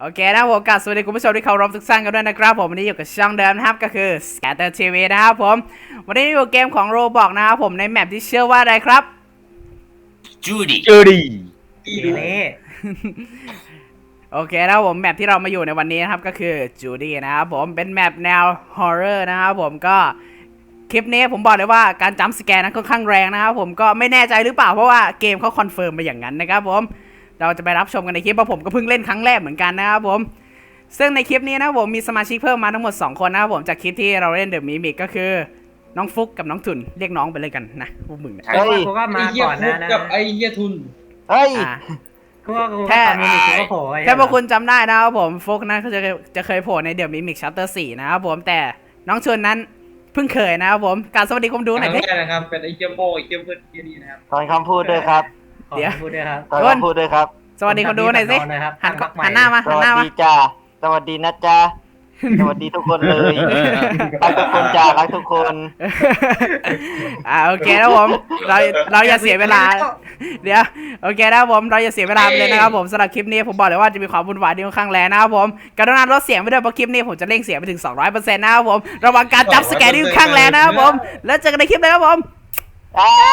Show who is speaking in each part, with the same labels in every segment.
Speaker 1: โอเคนะผมกับสวัสดีคุณผู้ชมที่เคารพทุกท่านกันด้วยนะครับผมวันนี้อยู่กับช่องเดิมนะครับก็คือ Scatter TV นะครับผมวันนี้อยู่เกมของ Roblox นะครับผมในแมปที่ชื่อว่าอะไรครับ
Speaker 2: จูดี้
Speaker 3: จูดี้
Speaker 4: เล่
Speaker 1: โอเคนะครับผมแมปที่เรามาอยู่ในวันนี้นะครับก็คือ Judy นะครับผมเป็นแมปแนว Horror นะครับผมก็คลิปนี้ผมบอกเลยว่าการจัมป์สแกร์นั้นค่อนข้างแรงนะครับผมก็ไม่แน่ใจหรือเปล่าเพราะว่าเกมเขาคอนเฟิร์มมาอย่างนั้นนะครับผมเราจะไปรับชมกันในคลิปเพราะผมก็เพิ่งเล่นครั้งแรกเหมือนกันนะครับผมซึ่งในคลิปนี้นะครับผมมีสมาชิกเพิ่มมาทั้งหมด2คนนะครับผมจากคลิปที่เราเล่นเดอะมิมิกก็คือน้องฟุกกับน้องทุนเรียกน้องไปเลยกันนะพวกมึงเนี่ย
Speaker 4: เพราะว่าเขาก็มาก่อนนะ
Speaker 5: กับไอ้เหี้ยทุน
Speaker 3: เฮ้ย
Speaker 1: อ่ะ
Speaker 4: เพราะว่าเขาตอนนี้เขาก็โผล่ไ
Speaker 1: แค่พวกคุณจำได้นะครับผมฟุกนะเขาจะเคยโผล่ในเดอะมิมิกชัปเตอร์4นะครับผมแต่น้องชวนนั้นเพิ่งเคยนะครับผมการสวัสดีคุณดูหน่อย
Speaker 5: ค
Speaker 1: ดิ
Speaker 5: รั้งแรกนะครับเป็นไอ้เหี้ยโป้ไอ้เหี้ยมืดเหี้ยนี่นะครับ
Speaker 3: ตอนคำพูดด้วยครับ
Speaker 4: เดี๋ยวพูดด้วยครับ
Speaker 3: ตอนคำพูดด้วยครับ
Speaker 1: สวัสดีคนดูหน่อยสิ
Speaker 4: นะครับ
Speaker 1: หันหน้ามา
Speaker 3: ส
Speaker 1: หันห
Speaker 3: วั
Speaker 1: น้า
Speaker 3: ส
Speaker 1: มา
Speaker 3: ดีจ้าสวัสดีนะจ้าสวัสดีทุกคนเลยรักทุกคนจ้ารักทุกคน
Speaker 1: โอเคนะผมเราอย่าเสียเวลาเดี๋ยวโอเคนะผมเราอย่าเสียเวลาไปเลยนะครับผมสำหรับคลิปนี้ผมบอกเลยว่าจะมีความวุ่นวายที่ค่อนข้างแรงนะครับผมกรุณาลดเสียงไปด้วยเพราะคลิปนี้ผมจะเร่งเสียงไปถึง 200%นะครับผมระวังการจับสแกนที่ค่อนข้างแรงนะครับผมแล้วเจอกันในคลิปเลยครับผม
Speaker 3: อ้า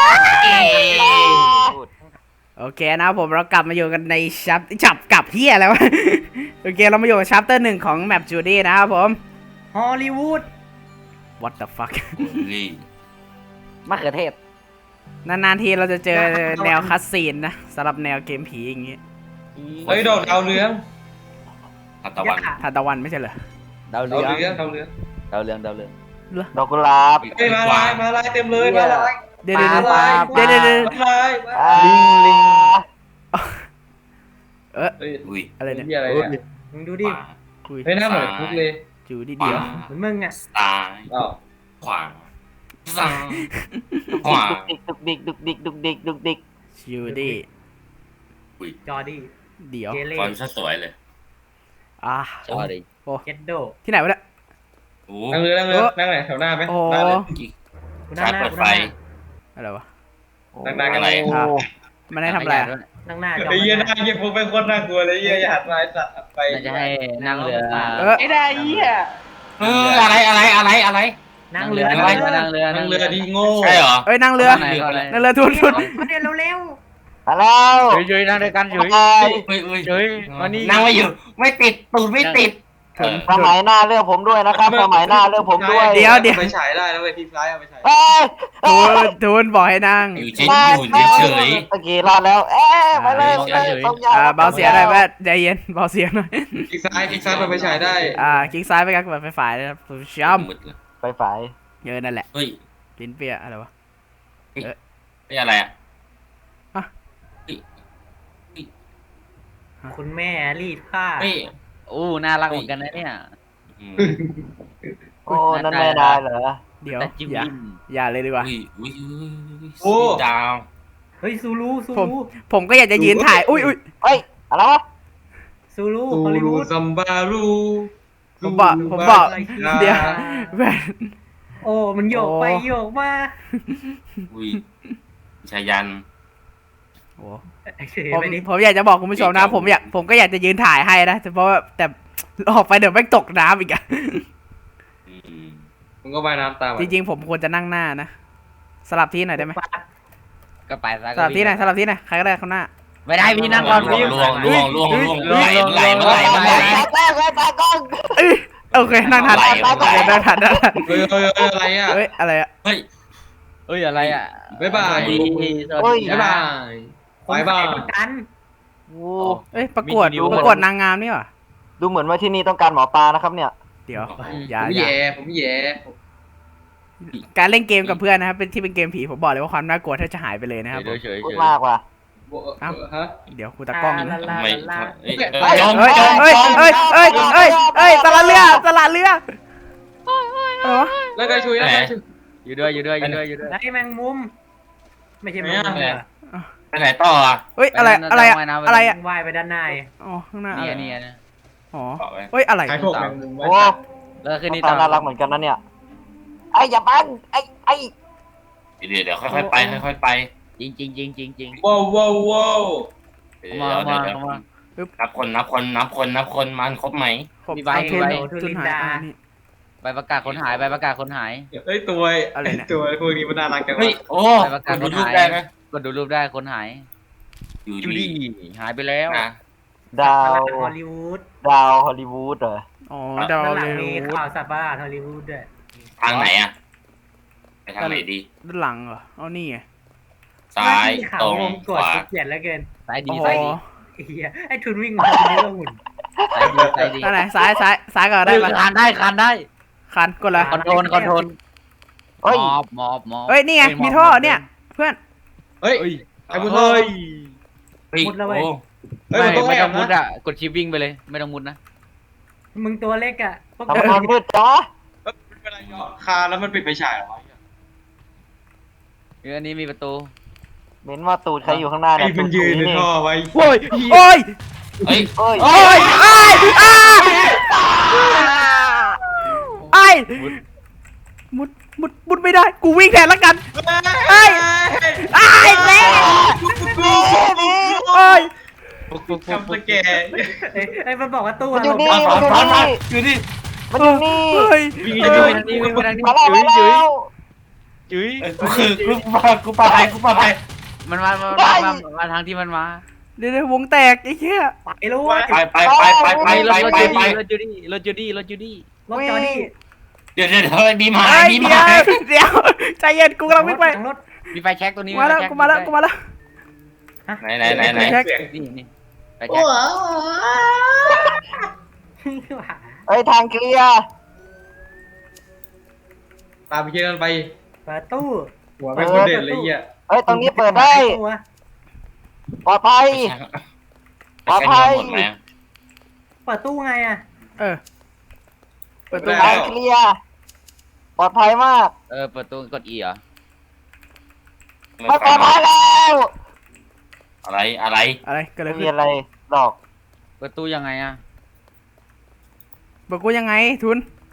Speaker 1: โอเคนะครับผมเรากลับมาอยู่กันในจับกับเฮียแล้วะ โอเคเรามาอยู่กับชัปเตอร์1ของแมปจูดี้นะครับผม
Speaker 4: ฮอลลีวูด
Speaker 1: What the fuck
Speaker 2: ลี่
Speaker 3: มะเขือเทศ
Speaker 1: นานๆทีเราจะเจอแนวคัสซีนนะสำหรับแนวเกมผีอย่างงี้
Speaker 5: เฮ้ยดอกดาวเรือง
Speaker 2: ทัตตะวัน
Speaker 1: ทานตะวันไม่ใช่เหรอ
Speaker 3: ดาว
Speaker 5: ดา
Speaker 3: เรื
Speaker 5: ว
Speaker 3: อง
Speaker 5: เรืองดาวเรือง
Speaker 3: ดาวเรืองดาวเรือง
Speaker 1: เหรอ
Speaker 3: ดอกกุหลาบ
Speaker 5: เฮ้ยมาลายมาลายเต็มเลยมาลาย
Speaker 1: เดี๋ยวเดี๋ยว
Speaker 3: ปลา
Speaker 1: เดี๋ยวเดี๋ยวเดี๋ยว
Speaker 5: มาลาย
Speaker 3: ลิงลิง
Speaker 5: เฮ้ย
Speaker 2: อุ้ย
Speaker 1: อะไรเนี่ย
Speaker 5: เหี้ยอะไรเนี่ย
Speaker 4: มึงดูดิ
Speaker 1: คุย
Speaker 5: เฮ้ยหน้าเหมือนคุกเลย
Speaker 1: จูดี้
Speaker 2: ขวา
Speaker 1: เดียว
Speaker 4: เหมือนมึงอ่ะ
Speaker 2: ซ้าย
Speaker 5: อ้าว
Speaker 2: ขวาซ้ายขวา
Speaker 3: ดุกดิกดุกดิกดุกดิกดุกดิก
Speaker 1: จูดี้
Speaker 2: อุ้ย
Speaker 4: จอดี้
Speaker 1: เดียว
Speaker 4: เจเล่
Speaker 2: ฟอนต์ซะสวยเลย
Speaker 3: สวัสดี
Speaker 1: โอ้
Speaker 4: เจดโด
Speaker 1: ที่ไหนวะเนี่ย
Speaker 2: โอ้
Speaker 5: นั่งเรือนั่งเรือนั่งไหนแถวหน้าไหม
Speaker 1: โอ้
Speaker 5: หน้าเลย
Speaker 4: กูนั่งหน้า
Speaker 2: เปิด
Speaker 4: กู
Speaker 2: ไฟ
Speaker 4: นั่งหน้า
Speaker 1: อะไรวะ
Speaker 5: นั่งๆกันเลย
Speaker 3: โอ้
Speaker 1: มันได้ทำอะไรอะ
Speaker 4: นั่งหน้าจอ
Speaker 5: ไอ้เหี้ยหน้าเหี้ยพวกเป็นคนน่ากลัวเลยเหี้ยอย่าหันมาไอ้สัตว์หันไป
Speaker 3: น่าจะให้นั่งเรือ
Speaker 5: ไอ้ได้เหี้ย
Speaker 2: อะไร
Speaker 4: นั่งเรือ
Speaker 3: นั่งเรือ
Speaker 5: นั่งเรือดีโง่
Speaker 2: ใช่เหรอ
Speaker 1: เอ้ยนั่งเรือนั่งเรือทุน
Speaker 4: มาเดี๋ยวเร็ว
Speaker 3: มาแล้ว
Speaker 6: เฉยๆนั่งด้วยกันเฉย
Speaker 2: อุ้ย
Speaker 6: เฉยมานี่
Speaker 2: นั่งไม่อยู่ไม่ติดตูดไม่ติด
Speaker 3: สมัยหน้าเลือกผมด้วยนะครับสมัยหน้าเลือกผมด้วย
Speaker 1: เดี๋ยว
Speaker 5: ไปฉายได้แล้วไปทีซ้ายเอาไปฉาย
Speaker 3: เอ้ย
Speaker 1: ทุนบอกให้นั่ง
Speaker 2: อยู่เฉยเฉย
Speaker 3: ตะกี้รอดแล้วไปเลยต้องยาว
Speaker 1: เบาเสียงหน่อยแม่ใจเย็นเบาเสียงหน่อย
Speaker 5: คลิกซ้ายไปฉายได้
Speaker 1: คลิกซ้ายไปกันแบบไฟฝ่ายนะครับผู้ชม
Speaker 2: มืดเลย
Speaker 3: ไปฝ่าย
Speaker 1: เยอะนั่นแหละ
Speaker 2: เฮ้ย
Speaker 1: ลิ้นเปียอะไรวะ
Speaker 2: นี่อะไรอ่ะ
Speaker 4: คุณแม่รีดผ้า
Speaker 2: เฮ้ย
Speaker 6: อู้น่ารักเหมือนกันนะเนี่ย
Speaker 3: โอ้นั่นแม่นายเหรอ
Speaker 1: เดี๋ยว
Speaker 6: แต่จิ้ม
Speaker 1: อย่าเลยดีกว่า
Speaker 2: อุ้ยดาว
Speaker 4: เฮ้ยซูรูซู
Speaker 1: ผม
Speaker 4: รู
Speaker 1: ผมก็อยากจะยืนถ่ายอุ้ย
Speaker 3: เฮ้ยอะไรวะ
Speaker 4: ซูรู
Speaker 5: ตู
Speaker 4: ฮอลลี
Speaker 5: รู
Speaker 4: วูด
Speaker 5: ซัมบารู
Speaker 1: ผมบอกเดี๋ยวแม่
Speaker 4: โอ้มันโยกไปโยกมา
Speaker 2: อุ้ยชายัน
Speaker 1: โอ้
Speaker 4: เฉยไปดิ
Speaker 1: ผมอยากจะบอกคุณผู้ชมนะผมก็อยากจะยืนถ่ายให้นะแต่เพราะว่าแต่ออกไปเดี๋ยวแม่งตกน้ำอีกอะ
Speaker 5: มึงก็ว่ายน้ำตาม
Speaker 1: จริงๆผมควรจะนั่งหน้านะสลับที่หน่อยได้ไหม
Speaker 6: ก็ไปซะ
Speaker 1: สลับที่หน่อยใครก็ได้ข้างหน้า
Speaker 6: ไม่ได้พี่นั่งก่อนพี่
Speaker 2: ล่วงไหล
Speaker 3: ตากล้อง
Speaker 1: โอเคนั่งทันนั่งทัน
Speaker 5: เฮ้ยอะไรอ่ะ
Speaker 1: เฮ้ยอะไรอะ
Speaker 2: เฮ้ย
Speaker 6: เอ้ยอะไรอ่ะ
Speaker 5: บ๊ายบาย
Speaker 6: ดี
Speaker 3: เฮ้ย
Speaker 5: บ๊ายบายบายบาย
Speaker 4: กัน
Speaker 3: โอ้
Speaker 1: เอ้ยประกวดนางงามนี่หว่า
Speaker 3: ดูเหมือนว่าที่นี่ต้องการหมอปลานะครับเนี่ย
Speaker 1: เดี๋ยว
Speaker 5: ผม
Speaker 1: อย่า
Speaker 5: แย่
Speaker 1: การเล่นเกมกับเพื่อนนะครับเป็นที่เป็นเกมผีผมบอกเลยว่าความน่ากลัวแทบจะหายไปเลยนะครับ
Speaker 6: เฉย
Speaker 3: พูดมากว่ะ
Speaker 5: ฮะ
Speaker 1: เดี๋ยวกูตะกล้องนะ
Speaker 2: ทำไม
Speaker 1: เฮ้ยตลาดเรือวะ
Speaker 5: แล้วไงช่วยแล้วไงช่วย
Speaker 6: อยู่ด้วย
Speaker 4: ได้แมงมุม ไม่ใช่แมงมุม
Speaker 2: ไปไหนต่ออ่ะ
Speaker 1: เฮ้ยอะไรอะ
Speaker 4: ว่ายไปด้านใน
Speaker 1: อ๋อข้างหน้า
Speaker 6: นี่นะ
Speaker 1: อ๋อเฮ้ยอะไร
Speaker 5: ขายพวกแมงมุมไว้
Speaker 3: โอ้
Speaker 6: แล้วคืนนี้
Speaker 3: ตาน่ารักเหมือนกันนะเนี่ยไอ้อย่าบังไอ้
Speaker 2: เดี๋ยวค่อยๆไป
Speaker 6: จริง
Speaker 5: ว้าว
Speaker 6: มา
Speaker 2: นับคนมันครบไหม
Speaker 1: ผม
Speaker 6: มีใบ
Speaker 1: เอาทุน
Speaker 6: มีใบ
Speaker 1: ทุนหายอ่านี่
Speaker 6: ใบประกาศคนหายใบประกาศคนหาย
Speaker 5: เฮ้ยตัว
Speaker 1: อะไรเนี่ย
Speaker 5: ตัวพวกนี้มันน่ารักจัง
Speaker 2: เฮ้ย
Speaker 5: วะ
Speaker 2: โอ้
Speaker 6: ใบประกาศ
Speaker 2: ดู
Speaker 6: คน
Speaker 2: รูป
Speaker 6: หาย
Speaker 2: ได้ไหม
Speaker 6: กดดูรูปได้คนหาย
Speaker 2: อยู่
Speaker 6: จู
Speaker 2: ดี
Speaker 6: ดี้หายไปแล้ว
Speaker 2: นะ
Speaker 3: ดาว
Speaker 4: ฮอลลีวูด
Speaker 3: ดาวฮอลลีวูดเหรอ
Speaker 1: อ๋อดาว
Speaker 4: ด้านหลั
Speaker 1: เล
Speaker 4: งมี
Speaker 1: ย
Speaker 4: ข่าวสัตว์ประหลาดฮอลลีวูดด้วย
Speaker 2: ทางไหนอะไปทางไหนดี
Speaker 1: ด้านหลังเหรอเอานี่ไง
Speaker 2: ซ้าย
Speaker 4: ข่า
Speaker 2: ต
Speaker 4: ว
Speaker 2: รง
Speaker 4: วงก
Speaker 2: ข
Speaker 4: ด
Speaker 2: วา
Speaker 4: เกลียดแล้วเกิน
Speaker 6: สายดี
Speaker 1: โอ้โห
Speaker 6: สายดี
Speaker 4: ไอ้เหี้ยไอ้ทุนวิ่งมาคนนี้ก็หุ่น
Speaker 6: สายดีสายดี
Speaker 1: ด้านไหนซ้ายก็ได้ปะ
Speaker 6: คานได้คานได้
Speaker 1: คันกดเลย
Speaker 6: คอนโทรลคอนโทรล
Speaker 3: เฮ้ย
Speaker 6: มอบ
Speaker 1: เฮ้ยนี่ไงมีท่อเนี่ยเพื่อน
Speaker 5: เฮ้ย
Speaker 6: เฮ้ย
Speaker 5: ไอ้บุญรอด
Speaker 2: เฮ้ยโอ้
Speaker 5: เฮ้ยมันต้อง
Speaker 6: ไม่
Speaker 5: แอ
Speaker 6: ต้อบ งมุด
Speaker 5: นะ
Speaker 6: อ่ะกดชิปวิ่งไปเลยไม่ต้องมุดนะ
Speaker 4: มึงตัวเล็กอ่ะพวก
Speaker 3: ทำงานมืดจ้า
Speaker 5: เวลาย่อคาแล้วมันปิดไฟฉายเหรอวะ
Speaker 6: อันนี้มีประตู
Speaker 3: เม้นว่าตูดใครอยู่ข้างหน้า
Speaker 5: ไอ้
Speaker 3: เนี่ย
Speaker 5: มันยืนใน
Speaker 3: นี่
Speaker 5: ท่อไว้
Speaker 6: โอ้ย
Speaker 1: โอ้ย
Speaker 2: เฮ้ย
Speaker 3: เฮ้ย
Speaker 1: โอ้ยอ้ายอ้ายมุดไม่ได้กูวิ่งแทนแล้วกันอ้ายอ้ายแม่โอ้ย
Speaker 5: ทำสแกน
Speaker 4: ไอ้มันบอกว่าตู้
Speaker 3: มันอยู่
Speaker 4: ลง
Speaker 3: นี่
Speaker 2: มา
Speaker 3: มันอยู่
Speaker 2: มา
Speaker 3: นี่
Speaker 2: อยู่นี่
Speaker 3: มันอยู่นี่
Speaker 1: เฮ้ย
Speaker 6: วิ่งไปทางนี้วิ่งไปทางนี้
Speaker 3: มาแล้วมาแล้ว
Speaker 6: จุ๋ย
Speaker 2: คือกูปาไป
Speaker 6: มาทางที่มันมา
Speaker 1: เดี๋ยววงแตกไอ้เหี้ย
Speaker 4: ไอ้รู้
Speaker 2: ไป
Speaker 6: รถ
Speaker 2: ไป
Speaker 6: จูดี้รถจูดี้
Speaker 4: รถจอดี้
Speaker 2: เดี๋ยวมีหมา
Speaker 1: เฮ้ย
Speaker 2: มีห
Speaker 1: เดี๋
Speaker 2: มา
Speaker 1: ยวใจเย็นกูกำลังวิ่งไป
Speaker 4: รถ
Speaker 6: มีไฟแช็กตัวนี้
Speaker 1: มาแล้วกูมาแล้ว
Speaker 2: ไหน
Speaker 1: แช็ค
Speaker 6: นี่ไฟแช็ก
Speaker 3: เฮ้ยทางเคลียร์
Speaker 5: ตามไปเชื่อไป
Speaker 4: เปิดตู้
Speaker 5: หัวเป็นคนเด่นเลยอ่ะ
Speaker 3: เฮ้ยตรงนี้เปิดได้ปลอดภัย
Speaker 2: หมดไหม
Speaker 4: เปิดตู้ไงอ่ะ
Speaker 1: เออเปิดตู้
Speaker 3: ทางเคลียร์ปลอดภัยมาก
Speaker 6: เปิดตัวกด E เหรอ
Speaker 3: ไม่ปลอดภัยแล้ว
Speaker 2: อะไร
Speaker 1: อะไรเกิดอะไร
Speaker 3: ไม่มี
Speaker 1: ขึ้น
Speaker 3: อะไรหรอก
Speaker 6: เปิดตู้ยังไงอ่ะ
Speaker 1: บอกกูยังไงทุน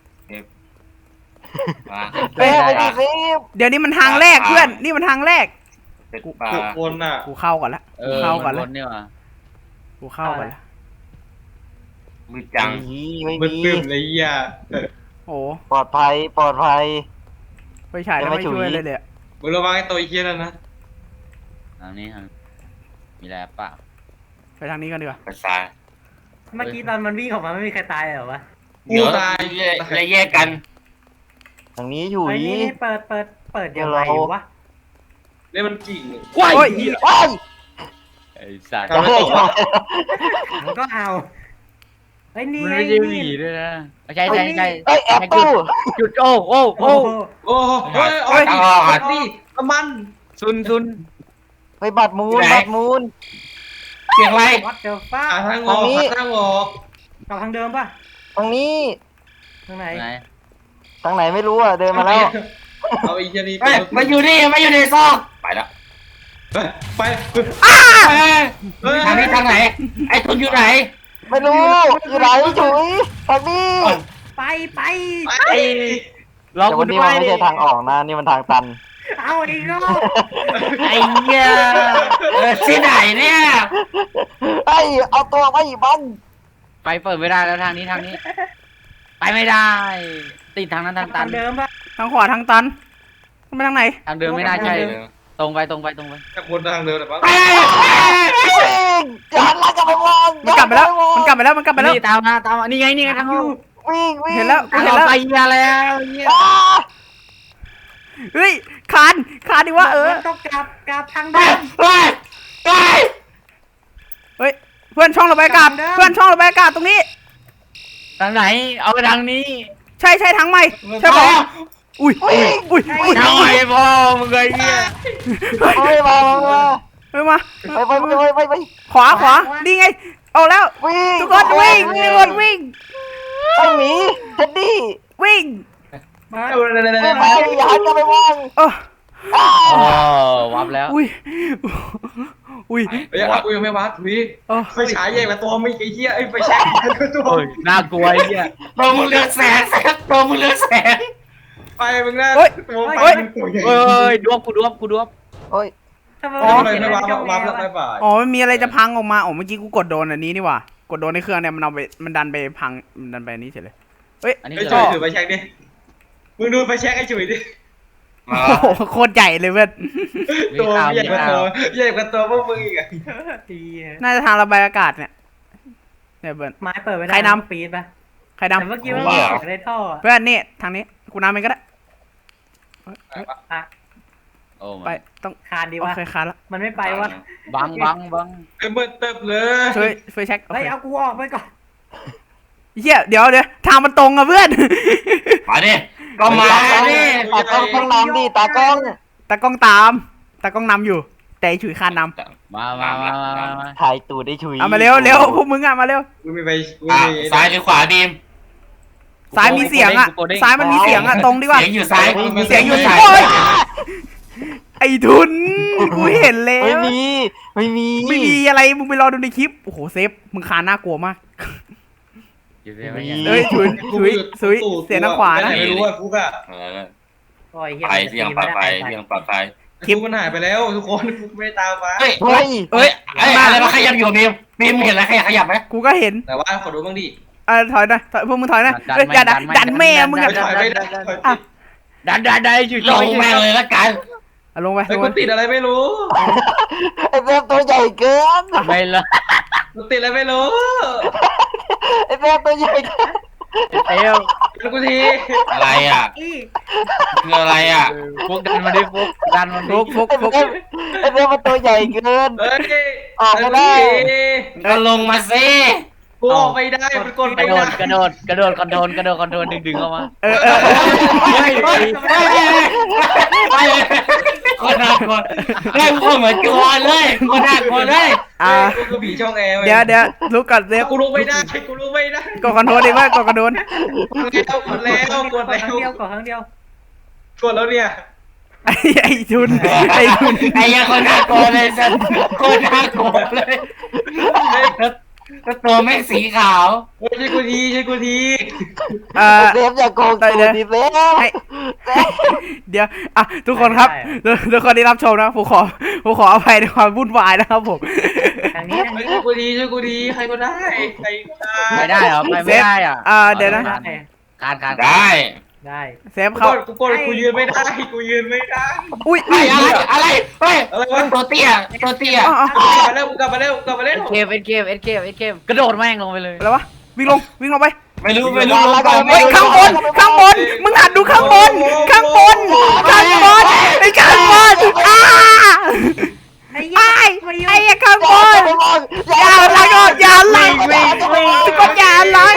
Speaker 2: มา
Speaker 3: เฮ้ยไปดิซิม
Speaker 1: เดี๋ยวนี้มันทางแรกเพื่อนนี่มันทางแรก
Speaker 2: เป็นปลา
Speaker 5: ทุกคนอ่ะ
Speaker 1: กูเข้าก่อนละกูเข้าก่อนละ
Speaker 6: เนี่ยว่ะ
Speaker 1: กูเข้าก่อนละ
Speaker 2: มือจัง
Speaker 3: ไม่
Speaker 5: มัน
Speaker 3: มี
Speaker 5: ตึมเลยอ่ะ
Speaker 1: โอ้
Speaker 3: ปลอดภัยปลอดภัย
Speaker 1: ไฟฉายแล้วไม่ช่วยเลยเลย
Speaker 5: มึงระวังไอ้ตัวไอ้เคียนั่นนะ
Speaker 6: ทางนี้มีอะไรเปล่า
Speaker 1: ไปทางนี้กันดีกว่า
Speaker 2: ภาษา
Speaker 4: เมื่อกี้ตอนมันวิ่งออกมาไม่มีใครตายเหรอวะ
Speaker 2: เดี๋ยวแยกกัน
Speaker 3: ทางนี้อยู่
Speaker 4: ไอ้
Speaker 3: นี่
Speaker 4: นี่เปิดยังไงวะ
Speaker 5: เนี่ยมันกิ่ง
Speaker 1: โอ้ย
Speaker 3: ว้าย
Speaker 6: ไอ้สัตว์
Speaker 5: ทำให้ตก
Speaker 4: มันก็เอาไอ้นี่
Speaker 6: มัน
Speaker 4: ไอ้
Speaker 6: ไม่ใช่
Speaker 4: นี่
Speaker 6: ผีด้วยนะใช่
Speaker 3: เอ้ยแอปตู้
Speaker 6: จุดโอ้
Speaker 4: โอ้โห
Speaker 5: โอ้เฮ้ยโอ้ยนี่น้ำมัน
Speaker 6: ซุน
Speaker 3: ไปบัตรมูนบัตรมูน
Speaker 2: เสียงอะไร
Speaker 4: วัดเจอฟ้า
Speaker 5: ทางออกทางออก
Speaker 4: กลับทางเดิมป่ะ
Speaker 3: ทางนี้
Speaker 4: ทางไหน
Speaker 6: ไหน
Speaker 3: ทางไหนไม่รู้อ่ะเดินมาแล้ว
Speaker 5: เอาไอ้เคียนี่
Speaker 2: มาอยู่นี่มาอยู่ในซอกไปแล้ว
Speaker 5: ไป
Speaker 2: ทางนี้ทางไหน ไอ้ทุนอยู่ไหน
Speaker 3: ไม่รู้อยู่ไหนจุ๋ยทางนี้
Speaker 4: ไป
Speaker 6: ไอ้ลอง
Speaker 3: แต่
Speaker 6: กู
Speaker 3: วัน
Speaker 6: ด้
Speaker 3: นี้
Speaker 6: ว
Speaker 3: มัน
Speaker 6: ย
Speaker 3: ไม่ใช่ทางออกนะนี่มันทางตัน
Speaker 4: เอาอีกรอบ
Speaker 6: ไอ้เหี้ย
Speaker 2: ที่ไหนเนี่ย
Speaker 3: ไอ้เอาตัวไปอีบัง
Speaker 6: ไปเปิดไม่ได้แล้วทางนี้ไปไม่ได้ติดทางนั้นทางตั
Speaker 4: ทาน งเดิมป่ะ
Speaker 1: ทางขวาทางตันไปทางไหน
Speaker 6: ทางเดินไม่น่าใช่ตรงไป
Speaker 5: จากบนทางเดินหรือเปล่า
Speaker 3: วิ่งอย่าหันหลังกลับไปมอง
Speaker 1: มันกลับไปแล้ว
Speaker 6: นี่ตามมานี่ไงทางออก
Speaker 3: วิ่ง
Speaker 1: เห็นแล้ว
Speaker 6: ทางออกไปเหี้ยแล้วเหี้ย
Speaker 3: อ้า
Speaker 1: เฮ้ยคานดิว่า
Speaker 4: ต้องกลับทางเดิม
Speaker 1: เฮ้ยเพื่อนช่องระบายอากาศเพื่อนช่องระบายอากาศตรงนี้
Speaker 6: ทางไหนเอาไปทางนี้
Speaker 1: ใช่ทางใหม่ใช่ปะอุ้ย
Speaker 6: ทางไหนพ่อมึงไงเนี่ย
Speaker 3: ไม่มา
Speaker 1: มา
Speaker 3: ไป
Speaker 1: ขวานี่ไงออกแล้ว
Speaker 3: วิ่ง
Speaker 1: ทุกคนวิ่ง
Speaker 3: ไอ้หมีเท็ดดี้
Speaker 1: วิ่ง
Speaker 4: มา
Speaker 3: ไม่ไปอย่าหันกลับไปมอง
Speaker 1: เออ
Speaker 3: อ้า
Speaker 6: โอ้วับแล้ว
Speaker 1: อุ้ย
Speaker 5: เฮ้ยกูยังไม่วัดทุย
Speaker 1: เออ
Speaker 5: ไฟฉายใหญ่กว่าตัวไม่ไอ้เหี้ยไอ้ไฟแช็กตัว
Speaker 6: โอ้ยน่ากลัวไอ้เหี้ย
Speaker 2: ตัวมึงเลือดแสงตัวมึงเลือดแสง
Speaker 5: ไปมึงนะตัวไฟมันตัวใหญ่
Speaker 6: เอ้ยดวบกูดวบ
Speaker 3: โอ้ย
Speaker 4: ทำไม
Speaker 5: อ๋อ
Speaker 4: ไม่
Speaker 5: ไม่
Speaker 4: เขียน
Speaker 5: ไม่
Speaker 4: อะไร
Speaker 5: วาร์ป
Speaker 4: ในช่อง
Speaker 5: วาร์ป
Speaker 4: แอร์
Speaker 5: ไม่
Speaker 4: วะ
Speaker 5: บ่าย
Speaker 1: อ๋อมันมีอะไรจะพังออกมาอ๋อเมื่อกี้กูกดโดนอันนี้นี่หว่ากดโดนในเครื่องเนี่ยมันดันไปพังมันดันไปอันนี้เฉยเลยเฮ้ย
Speaker 6: อันนี้
Speaker 5: ไอ้
Speaker 6: คือ
Speaker 5: จุ๋
Speaker 6: อะไร
Speaker 5: ยถือไปเช็คดิมึงดูไปเช็คไอ้จุ๋ยดิ
Speaker 2: มา
Speaker 1: โอ้โหโคตรใหญ่เลยเว้ย
Speaker 6: มี
Speaker 5: ตัว
Speaker 6: ข่าว
Speaker 5: ใหญ่
Speaker 6: มี
Speaker 5: กว่า
Speaker 6: ข่า
Speaker 5: ตัว วใหญ่กว่าตัวพวกมึงอีกอะ
Speaker 4: ดี
Speaker 1: น่าจะทางระบายอากาศเนี่ยเบิร์น
Speaker 4: ไม้เปิดไม่ได้
Speaker 1: ใครนำ
Speaker 4: ปีนปะ
Speaker 1: ใคร
Speaker 4: แต่
Speaker 1: ดำ
Speaker 4: เมื่อกี้มันมีเสียงในท่ออะ
Speaker 1: เพื่อนนี่ทางนี้กูนำเองก็ได้
Speaker 4: อ่ะ
Speaker 6: โอ้
Speaker 1: ไปต้อง
Speaker 4: คานดี
Speaker 1: โอ
Speaker 4: วะ
Speaker 1: เคคันละ
Speaker 4: มันไม่ไปวะ
Speaker 6: บัง
Speaker 5: ไอ้เบิร์ดเติบเลย
Speaker 1: ช่วยเช็คโอ
Speaker 4: เฮ้ย
Speaker 1: เค
Speaker 4: เอากูออกไปก่อน
Speaker 1: เฮียเดี๋ยวทางมันตรงอะเพื่อน
Speaker 2: มาดิก็มาดิ
Speaker 3: ตากล้องต้องนำดิตากล้อง
Speaker 1: ตากล้องนำอยู่ แต่ไอ้ฉุยคานน
Speaker 6: มา
Speaker 3: ถ่ายตูดได้ฉุย
Speaker 1: ำเอามาเร็วพวกมึงอะมาเร็ว
Speaker 5: กูมีไปกู
Speaker 2: อ่ะ
Speaker 5: มี
Speaker 2: ซ้ายหรือขวาบีม
Speaker 1: ซ้ายมีเสียงอะซ้ายมันมีเสียงอะตรงดีกว่า
Speaker 2: เสียงอยู่ซ้าย
Speaker 1: เสียงอยู่
Speaker 2: ซ้า
Speaker 1: ซ้าย ย ไอ้ทุนกูเห็นแล้
Speaker 3: ไม่
Speaker 1: ว
Speaker 3: มีไม่มี
Speaker 1: ไม่มีอะไรมึงไปรอดูในคลิปโอ้โหเซฟมึงคานน่ากลัวมาก
Speaker 6: อยู่ได้ไหม
Speaker 1: เอ้ยฉุยเสียงทางขวานะ
Speaker 5: ไม่รู้ว่าฟุกอะ
Speaker 2: เออ
Speaker 4: โอ้ยเหี้ย
Speaker 2: ไปเสียงปลอดภัยเสียงปลอดภัย
Speaker 5: คลิปมันหายไปแล้วทุกคนฟุกไม่ตามมา
Speaker 2: เฮ้ย
Speaker 3: เฮ้ย
Speaker 2: เฮ้ยอะไรมาขยับอยู่บีมเห็นอะไรขยับไหม
Speaker 1: กูก็เห็น
Speaker 5: แต่ว่าขอดูบ้างดิ
Speaker 1: ถอยนะพวกมึงถอยนะเฮ้ยอย่าดันแม่มึง
Speaker 5: ไม่
Speaker 1: อะ
Speaker 5: ถอยไม่ได้ถอยติด
Speaker 6: ดันอยู่
Speaker 2: ลงแม่งเลยละกัน
Speaker 1: ลงไป
Speaker 5: ไอ้กูติดอะไรไม่รู้
Speaker 3: ไอ้เป๊ปตัวใหญ่เกิน
Speaker 6: ไม่ละ
Speaker 5: กูติดอะไรไม่รู้
Speaker 3: ไอ้เป๊ปตัวใหญ่เกิน
Speaker 6: เอว
Speaker 5: แล้วกูที
Speaker 2: อะไรอ่ะ
Speaker 4: อี
Speaker 2: คืออะไรอ่ะ
Speaker 6: พวกดันมาดิพวกดันมาดิ
Speaker 1: ฟุก
Speaker 3: ไอ้เป๊ปไอ้เป๊ปมันตัวใหญ่เกิน
Speaker 5: เฮ้ย
Speaker 3: ออกไม่ได้
Speaker 2: ก็ลงมาสิ
Speaker 5: กูออกไม่ได้มันกด
Speaker 6: ก
Speaker 5: ไม่
Speaker 6: ระโด
Speaker 5: ได้
Speaker 6: ดคอนโทรลดึงเข้ามา
Speaker 1: เออ
Speaker 2: ไปคนน่ากลัวเล่นคนเหมือนกลัวเลยคนน่ากลัวเลย
Speaker 5: กูคือผีช่องแอร์
Speaker 1: เดี๋ยวลุกก่อนเซฟ
Speaker 5: กูลุกไม่ได้กูลุกไม่ได้
Speaker 1: กดคอนโทรลดีว่ากดกระโดน
Speaker 5: กดแล้วกด
Speaker 4: ค
Speaker 5: แล้
Speaker 4: รั้งเดียว
Speaker 5: ว
Speaker 4: ก่อนครั้งเดียว
Speaker 5: กดแล้วเนี่ย
Speaker 1: ไอ้ทุนไอ้ทุน
Speaker 2: ไอ้ยังคนน่ากลัวเลยสัตว์คนน่ากลัวเลยแล้วตัวไม่สีขาว
Speaker 5: ใช่กูทีใช่กูที
Speaker 3: เป๊ปอย่าโกงตูดดิเป๊ป
Speaker 1: เดี๋ยวทุกคนครับทุกคนที่รับชมนะผมขออภัยในความวุ่นวายนะครับผม
Speaker 4: ทางนี้ทางนี้
Speaker 5: ช่วยกูทีช่วยกูทีใครก็ได้ใครก็ได้
Speaker 6: ไม่ได้เหรอไปไม่ได้อ่ะ
Speaker 1: เดี๋ยวนะ
Speaker 6: การ
Speaker 2: ได้
Speaker 4: ได้
Speaker 1: เซฟเขา
Speaker 5: กูยืนไม่ได้กูยืนไม่ได้
Speaker 1: อุ้ย
Speaker 2: อะไรเฮ้ย
Speaker 5: อะไรวะ
Speaker 2: ตัวเตี้ย
Speaker 5: กลับมาเร็วกลับมาเร็วกลับมาเร็ว
Speaker 6: เกมกระโดดแม่งลงไปเลย
Speaker 1: อะไรวะวิ่งลงไป
Speaker 2: ไม่รู้
Speaker 1: เฮ้ยข้างบนมึงหัดดูข้างบนไอ้ข้างบนไอ้ข้างบนอย่าลังทุกคนอย่าลัง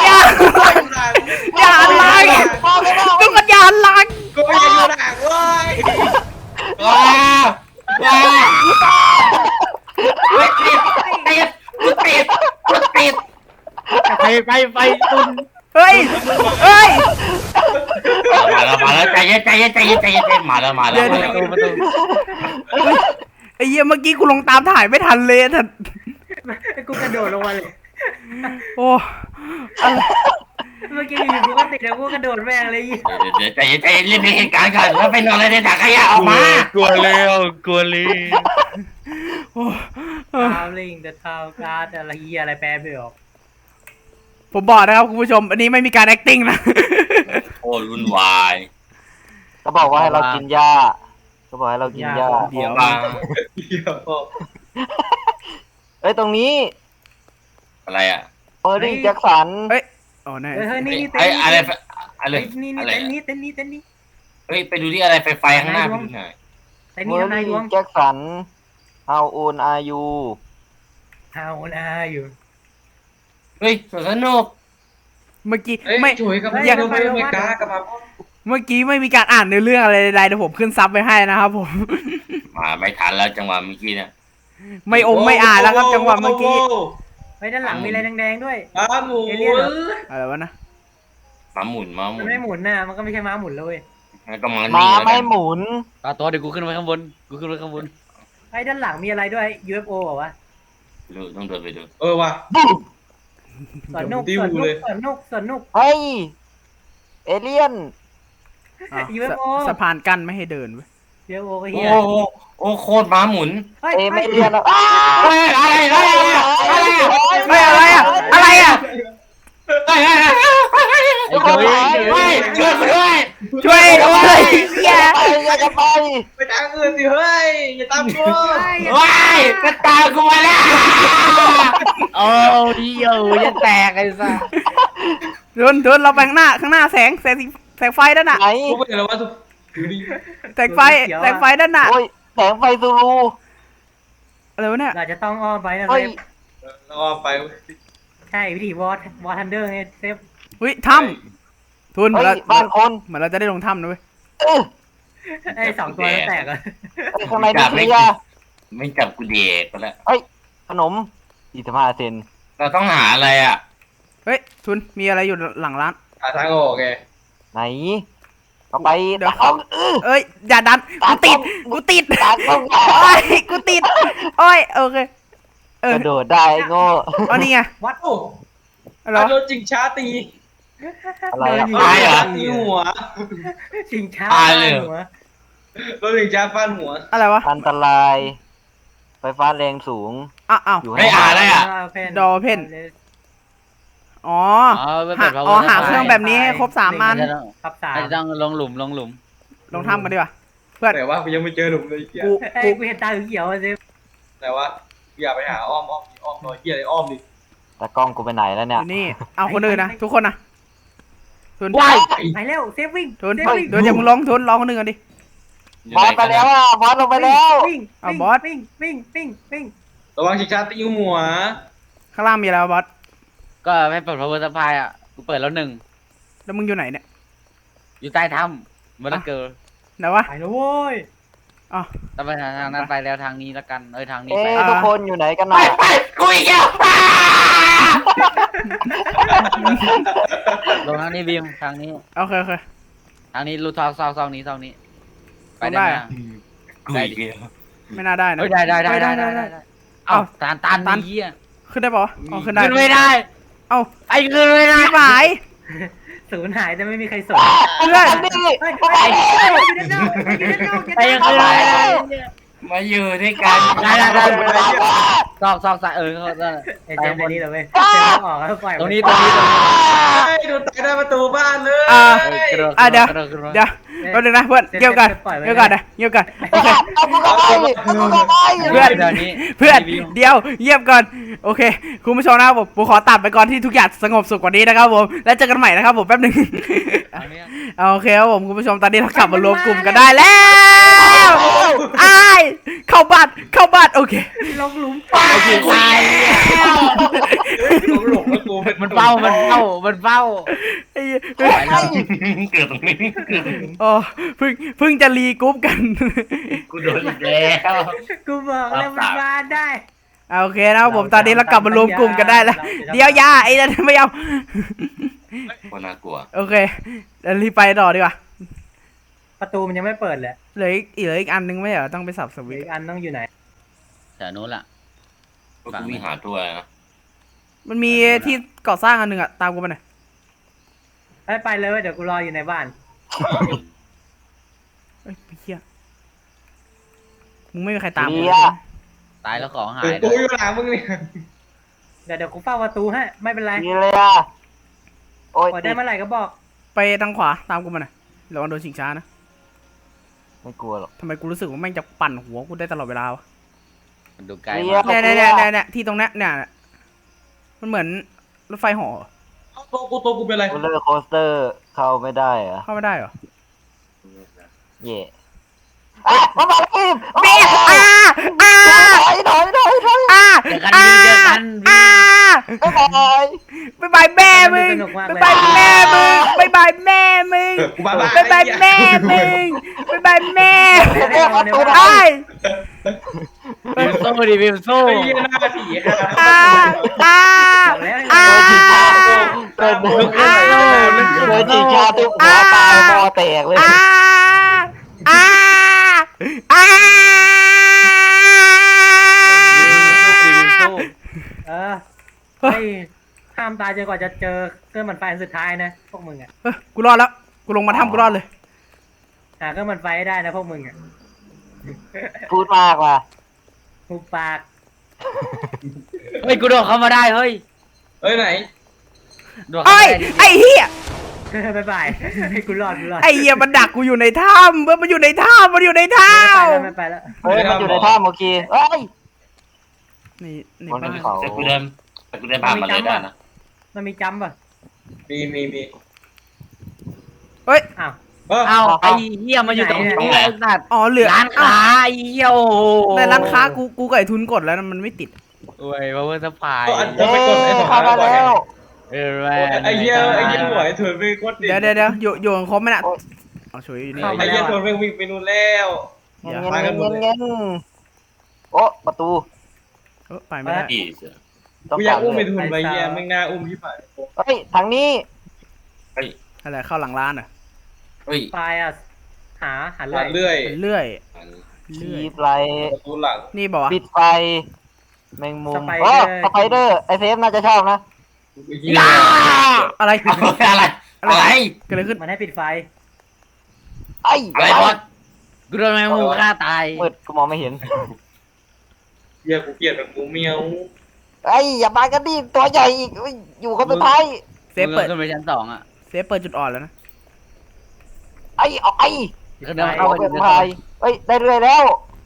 Speaker 1: ทุกคนอย่าลัง
Speaker 5: กูไม่อยู่หนังเลย
Speaker 2: ว้าวติด
Speaker 6: ไปตุน
Speaker 1: เฮ้ย
Speaker 2: มาแล้วใจเย็นมาแล้ว
Speaker 6: ประตู
Speaker 1: ไอ้เหี้ยเมื่อกี้กูลงตามถ่ายไม่ทันเลยท่าน
Speaker 4: กูกระโดดลงมาเลย
Speaker 1: โอ้
Speaker 4: เมื่อกี้อยู่กูก็ติดแล้วกูกระโดดแม่งเลย
Speaker 2: ใจเย็นรีบเหตุการณ์ก่อนแล้วไปนอนอะไรในถังขยะออกมาก
Speaker 6: ลัวเลย
Speaker 4: ทาวลิงเดอะทาวการ์ดอะไรเหี้ยอะไรแปลไม่ออก
Speaker 1: ผมบอกนะครับคุณผู้ชม อันนี้ไม่มีการ acting นะ
Speaker 2: โอ้รุ่นวาย
Speaker 3: ก็บอกว่าให้เรากินหญ้าก็บอกให้เรากินหญ้า
Speaker 1: เดี๋ยว
Speaker 2: มา
Speaker 3: เอ้ยตรงนี้
Speaker 2: อะไรอ่ะ
Speaker 3: เออนี่แจ็คสัน
Speaker 1: โอ้แน่
Speaker 4: เฮ้ยนี่
Speaker 2: ไอ้อะไรอะไร
Speaker 4: นี่
Speaker 2: อะไร
Speaker 4: เต้นนี้
Speaker 2: เฮ้ยไปดูที่อะไรไฟข้างหน้าไปดูหน่อย
Speaker 4: เต้น
Speaker 3: เม
Speaker 4: นี้
Speaker 3: อ
Speaker 4: ทำนายด
Speaker 3: รี่
Speaker 4: วง
Speaker 3: แจ็คสัน How old are you
Speaker 4: เอานะอยู่
Speaker 2: เฮ้ยสนุก
Speaker 1: เมื่อกี้
Speaker 5: เอ้ย
Speaker 1: ไม่
Speaker 5: ช่วยกับมึงไปอเมริกากลับมา
Speaker 1: เมื่อกี้ไม่มีการอ่านในเรื่องอะไรใดๆเดี๋ยวผมขึ้นซับไปให้นะครับผม
Speaker 2: มาไม่ทันแล้วจังหวะเมื่อกี้เนี่ย
Speaker 1: ไม่อ่านแล้วครับจังหวะเมื่อกี้
Speaker 4: ไว้ด้านหลังมีอะไรแดงๆด้วย
Speaker 5: ม้าหมุน
Speaker 1: อะไรวะนะ
Speaker 2: มาหมุน
Speaker 4: มันไม่หมุนน่ะมันก็ไม่ใช่ม้าหมุนเลย
Speaker 2: ก็มา
Speaker 3: ม้า
Speaker 2: นี่แล้ว
Speaker 3: ไม่
Speaker 2: กัน
Speaker 3: หมุน
Speaker 6: ตัวเดี๋ยวกูขึ้นไปข้างบน
Speaker 4: ไอ้ด้านหลังมีอะไรด้วย UFO เหรอวะ
Speaker 2: ดูต้องเดินไปดู
Speaker 5: ว่ะ
Speaker 4: สวนนุก
Speaker 3: เฮ้ย เอเลี่ยน
Speaker 1: UFO สะพานกั้นไม่ให้เดินเว้ย
Speaker 4: เดี๋ยวโอ้ย
Speaker 2: โอ้
Speaker 4: เฮีย
Speaker 2: โหโอ้โคตรม้าหมุน
Speaker 4: เฮ้ย
Speaker 3: เอไม่เรียนแล้ว
Speaker 2: เฮ้ยอะไร
Speaker 1: อะไรอ่ะอะไรอ่ะ
Speaker 2: เฮ้ย
Speaker 6: ไอ้โจ้ย
Speaker 2: เฮ้ยช่วยกูด้วย
Speaker 1: ช่วยด้วยเหี้ย
Speaker 3: ไปอย่าจะไป
Speaker 5: ไปทางอื่นสิเฮ้ยอย่าตามกู
Speaker 2: ว้ายมันตามกูมาแล้ว
Speaker 6: โอ้ยโอ้ยจะแตกไอ้สัส
Speaker 1: ทุนเราไปข้างหน้าแสงไฟด้านน่ะ
Speaker 3: ไหน
Speaker 5: กูไปไหนแล้ววะทุกดูดิ
Speaker 1: แสงไฟด้านน่ะ
Speaker 3: โอ้ยแสงไฟซูรู
Speaker 1: อะไรวะเนี่ย
Speaker 4: เราจะต้องอ้อมไปนะเซ
Speaker 3: เฮ้ย
Speaker 4: ฟ
Speaker 5: เราเอาไป
Speaker 4: ใช่วิธีวอร์ทันเดอร์ไงเซฟ
Speaker 1: อุ้ยถ้ำทุน
Speaker 3: เฮ้ยบ้านคน
Speaker 1: เหมือนเราจะได้ลงถ้ำนะเว้ย
Speaker 3: เออ
Speaker 4: ไอ้2 ตัวแล้วแตกอ่ะ
Speaker 3: เฮ้ยข้างในนี่เคลียร์
Speaker 2: ไม่จับกูเด็กไปแล้ว
Speaker 3: ขนม25 เซน
Speaker 2: เราต้องหาอะไรอ่ะ
Speaker 1: เฮ้ยทุนมีอะไรอยู่หลังร้าน
Speaker 5: หาทางออกไง
Speaker 3: ไหนเอาไป
Speaker 1: เดี๋ยว
Speaker 3: เอา
Speaker 1: เอ้ยอย่าดันกูติด
Speaker 3: ตากล้อง
Speaker 1: โอ้ยกูติดโอ้ยโอเค
Speaker 3: ก
Speaker 1: เออ
Speaker 3: ระโดดได้ไอ้โง่
Speaker 1: เอานี่ไง
Speaker 4: วัด
Speaker 5: โอ้
Speaker 1: อะไรวะ
Speaker 5: โดนจิงช้าตี
Speaker 3: อะไรอ่ะ
Speaker 2: ตายเหรอ
Speaker 5: ตีหัว
Speaker 4: ชิงช้า
Speaker 2: ตายเลย
Speaker 4: หัว
Speaker 5: โดนจิงช้าฟาดหัว
Speaker 1: อะไรวะ
Speaker 3: อันตราย ไฟฟ้าแรงสูง
Speaker 1: อ้าว
Speaker 3: อยู่
Speaker 2: ไม่
Speaker 3: ให้
Speaker 2: อ่านอะไรอ่ะ
Speaker 1: ดอเพน อ๋อ
Speaker 6: ไม่
Speaker 1: หา
Speaker 6: เปิด
Speaker 1: อ๋อหาเครื่องแบบนี้ให้ครบ3 อัน
Speaker 4: ครับ3
Speaker 6: อาจจะต้องลงหลุม
Speaker 1: ลงถ้ำกันดีกว่าเพื่อน
Speaker 5: แต่ว่ากูยังไม่เจอหนุ่มเลยเฮีย
Speaker 1: กู
Speaker 4: เอ้ยกูเห็นตาเขียวเซฟ
Speaker 5: แต่ว่าอย่าไปหาอ้อมหน่อยเฮียอะไรอ้อมดิ
Speaker 3: แต่กล้องกูไปไหนแล้ว
Speaker 1: อ
Speaker 3: เนี่ย
Speaker 1: ยู่นี่เอาคนอื่นนะทุกคนนะทุน
Speaker 6: ว้าย
Speaker 4: ไปเร็วเซฟวิ่ง
Speaker 1: ทุน
Speaker 4: เซฟวิ่ง
Speaker 1: เดี๋ยวอย่ามึงลงทุนลองคนอื่นกันดิ
Speaker 3: บอสไปแล้วอ่ะบอสลงไปแล้ว
Speaker 4: วิ่ง
Speaker 1: เอาบอส
Speaker 4: วิ่ง
Speaker 5: ระวังจิงช้าตีหัว
Speaker 1: ข้างล่างมีอะไรวะบอส
Speaker 6: ก็ให้เปิด power supply อ่ะกูเปิดแล้ว1
Speaker 1: แล้วมึงอยู่ไหนเนี่ย
Speaker 6: อยู่ใต้ถ้ำมันเกิด
Speaker 1: ไหนวะ
Speaker 4: ไปแล้วโว้ย
Speaker 1: อ๋อ
Speaker 6: ต้องไปทางนั้นไปแล้วทางนี้แล้วกันทางนี้
Speaker 3: เอ๊
Speaker 6: ไป
Speaker 3: ะทุกคนอยู่ไหนกันน่ะ
Speaker 2: กูอีกแล้ว
Speaker 6: ลงทางนี้บีมทางนี้
Speaker 1: โอเคโอเค
Speaker 6: ทางนี้รูทอกซองนี้ไป
Speaker 1: ได้
Speaker 6: ได้
Speaker 1: อะ
Speaker 6: ไหม
Speaker 2: กูอีกแล้ว
Speaker 1: ไม่น่าได้นะ
Speaker 6: เฮ้ยได้เอ้าตัน
Speaker 1: ตัน
Speaker 6: เหี้ย
Speaker 1: ขึ้นได้ปะวะอ๋อขึ้นได้
Speaker 6: ขึ้นไม่ได้
Speaker 1: เอ้า
Speaker 6: ไอ้ขึ้นไม่ได้
Speaker 1: ชิบหาย
Speaker 4: ศูนย์หายแต่ไม่มีใครสน
Speaker 1: เพื่อน
Speaker 3: นี่
Speaker 4: เฮ้ยอยู่ด้านนอกอยู่ด้านนอก
Speaker 6: ไอ้ขึ้นไม่ได้
Speaker 2: มาอยู่ด้วยกัน
Speaker 6: ได้ซอกใส่
Speaker 4: ไอ้เจมส์นี้เหรอเว้ยเจมส์ออกแล้วปล่อย
Speaker 6: ตรงนี้
Speaker 5: โดนตายได้ประตูบ้านเลย
Speaker 1: เดี๋ยวแป๊บนึงนะเพื่อนเกี่ยวกันนะเกี่ยวกันโอเค
Speaker 3: เอากูเข้าไปเอากูเข้าไป
Speaker 1: เพื่อน
Speaker 6: เดี๋ยวนี้
Speaker 1: เพื่อนเดี๋ยวเงียบก่อนโอเคคุณผู้ชมนะครับผมขอตัดไปก่อนที่ทุกอย่างสงบสุขกว่านี้นะครับผมแล้วเจอกันใหม่นะครับผมแป๊บนึงโอเคครับผมคุณผู้ชมตอนนี้เรากลับมารวมกลุ่มกันได้แล้วอ้ายเข้าบ้านโอเค
Speaker 4: ลงหลุม
Speaker 6: ไอ้ขี้ตาย
Speaker 5: หลงแล้วกู
Speaker 6: มันเฝ้า
Speaker 1: ไอ้
Speaker 2: เกิดตรงนี้เกิดตรงนี้
Speaker 1: อ๋อเพิ่งจะรีกรุ๊ปกัน
Speaker 2: กูโดนอีกแล้ว
Speaker 4: กูบอกแล้วมันมาได้
Speaker 1: โอเคนะครับผมตอนนี้เรากลับมารวมกลุ่มกันได้แล้วเดี๋ยวยาไอ้นั่นไม่เอา
Speaker 2: คนน่ากลัว
Speaker 1: โอเคเดี๋ยวรีบไปต่อดีกว่า
Speaker 4: ประตูมันยังไม่เปิดเลย
Speaker 1: เหลืออีกอันนึงไม่เหรอต้องไปสับสวิต
Speaker 4: อี
Speaker 1: ช์
Speaker 4: กอันต้องอยู่ไหน
Speaker 6: แต่นู้นล่ะ
Speaker 2: กูวิ่งหาตัวนะ
Speaker 1: มันมีที่ก่อสร้างอันหนึ่งอะตามกูไปหน่อย
Speaker 4: ไปเลยเว้ยเดี๋ยวกูรออยู่ในบ้าน
Speaker 1: เอ้ยเฮียมึงไม่มีใครตาม
Speaker 3: เค
Speaker 1: กู
Speaker 3: ลียร์
Speaker 6: ตายแล้วของหาย
Speaker 5: กูอยู่หลังมึงนี่
Speaker 4: เดี๋ยวกูเฝ้าประตูให้ไม่เป็นไร
Speaker 3: เคลียร์โอ้ย
Speaker 4: เปิดได้เมื่อไหร่ก็บอก
Speaker 1: ไปทางขวาตามกูมาหน่อยระวังโดนชิงช้านะ
Speaker 3: ไม่กลัวหรอก
Speaker 1: ทำไมกูรู้สึกว่าแม่งจะปั่นหัวกูได้ตลอดเวลาวะ
Speaker 6: มันดูไกล
Speaker 1: เนี่ยที่ตรงเนี้ยเนี่ยมันเหมือนรถไฟเหอ
Speaker 5: ตัวกูเป็นไร
Speaker 3: โรลเลอร์โคสเตอร์เข้าไม่ได้เหรอ
Speaker 1: เข้าไม่ได้เหรอ
Speaker 3: เย่มาบอกพี่
Speaker 1: เบี้ย
Speaker 3: ถอย
Speaker 6: เจอกัน
Speaker 3: บ๊ายบาย
Speaker 1: บ๊ายบายแม่มึงบ๊ายบายแม่มึงบ๊ายบายแม่มึง
Speaker 5: กูบ้า
Speaker 1: บ๊ายบายแม่มึงบ๊ายบายแม่ไอ้
Speaker 6: บิมสู้ดิบิมสู้
Speaker 5: ไอ้ยี่หน้าผี
Speaker 3: เดินจีชาตุกหัวตายมอแตกเลย
Speaker 4: เฮ้ยห้ามตายจนกว่าจะเจอเครื่องมันไฟอันสุดท้ายนะพวกมึงอ่ะ
Speaker 1: กูรอดแล้วกูลงมาถ้ำกูรอดเลย
Speaker 4: หาเครื่องมันไฟให้ได้นะพวกมึงอ่ะ
Speaker 3: พูดมากว่ะ
Speaker 4: หุบปาก
Speaker 6: เฮ้ยกูโดดเข้ามาได้เฮ้ย
Speaker 5: เอ้ยไหน
Speaker 6: โดดเข้า
Speaker 1: เอ้ย
Speaker 6: มาได้
Speaker 1: ไอ้เหี้ย
Speaker 4: บ๊ายบายให้กูรอด
Speaker 1: ไอ้เหี้ยมันดักกูอยู่ในถ้ำเว้ยมันอยู่ในถ้ำมันอยู่ในถ้
Speaker 4: ไม่ไปแล้ว
Speaker 3: เฮ้ยมันอยู่ในถ้ำโอเคเฮ้ย
Speaker 1: ำนี่ใน
Speaker 3: บน
Speaker 1: บ้าน
Speaker 3: เขา
Speaker 2: แต่กูเดินผ่านมาเลยได้นะ
Speaker 4: มันมีจัมป์ป่ะ
Speaker 5: มี
Speaker 1: เฮ้ย
Speaker 4: อ้าว
Speaker 6: เอาไอ้เหี้ยมาอยู่ตรงนี้ไอ้สัตว์
Speaker 1: อ๋อเหลือ
Speaker 6: ร้านค้าไอ้เหี้ยโอ้โห
Speaker 1: ในร้านค้ากูกับไอ้ทุนกดแล้วนะมันไม่ติด
Speaker 6: โอ้ยมาเวอร์สปาย
Speaker 5: ก็อาจจะ
Speaker 3: เย้
Speaker 5: ไปกดไอ้ของ
Speaker 3: เข้ามาแล้ว
Speaker 6: เออแม่
Speaker 5: ไอ้เหี้ยหวยถือไปกดดิ
Speaker 1: เดี๋ยวอยู่กันครบไหมน่ะเอาช่วยอยู่นี่
Speaker 5: ไอ้เหี้ยถือไปวิ่งไปนู่นแล้ว
Speaker 3: เงี้ยเงี้ยเงี้ยโอ้ประตู
Speaker 1: ไปไม่ได้
Speaker 2: อีเสือ
Speaker 3: ต้อง
Speaker 5: กูอยากอุ้มไป
Speaker 3: เ
Speaker 5: ทุนไปเหี้ยไม่น่าอุ้มที่ฝ่าย
Speaker 3: เฮ้ยทางนี้
Speaker 1: อะไรเข้าหลังร้านเหรอ่ะ
Speaker 2: เฮ้ย
Speaker 4: ไฟอ่ะหา
Speaker 5: หา
Speaker 4: เรื่อย
Speaker 5: เรื่อย
Speaker 1: เป็นเลื่อย
Speaker 3: ชีพไร
Speaker 5: ประตูหลัง
Speaker 1: นี่บอกว่า
Speaker 3: ปิดไฟแมงมุมโอ้สไปเดอร์ไอเซฟน่าจะชอบนะ
Speaker 1: อะไร
Speaker 2: อะไร
Speaker 1: เกิดอะไรขึ้น
Speaker 4: มันให้ปิดไฟ
Speaker 3: ไอ้
Speaker 2: อะไรบอส
Speaker 6: กูโดนแมงมุมฆ่าตาย
Speaker 3: มืดกูมองไม่เห็น
Speaker 5: เหี้ยกูเกลียดแบบกูเมียว
Speaker 3: ไอ้อย่ามากันดิตัวใหญ่อีกอยู่คนสุดท้าย
Speaker 1: เซฟเปิด
Speaker 6: ขึ้นไปชั้น2อ่ะ
Speaker 1: เซฟเปิดจุดอ่อนแล้วนะ
Speaker 3: ไอ้ออกไอ้
Speaker 6: ก็เดิน
Speaker 3: อ
Speaker 6: เข้า
Speaker 3: อก
Speaker 6: ไป
Speaker 3: เป็นพายเฮ้ยได้เรื่อยแล้ว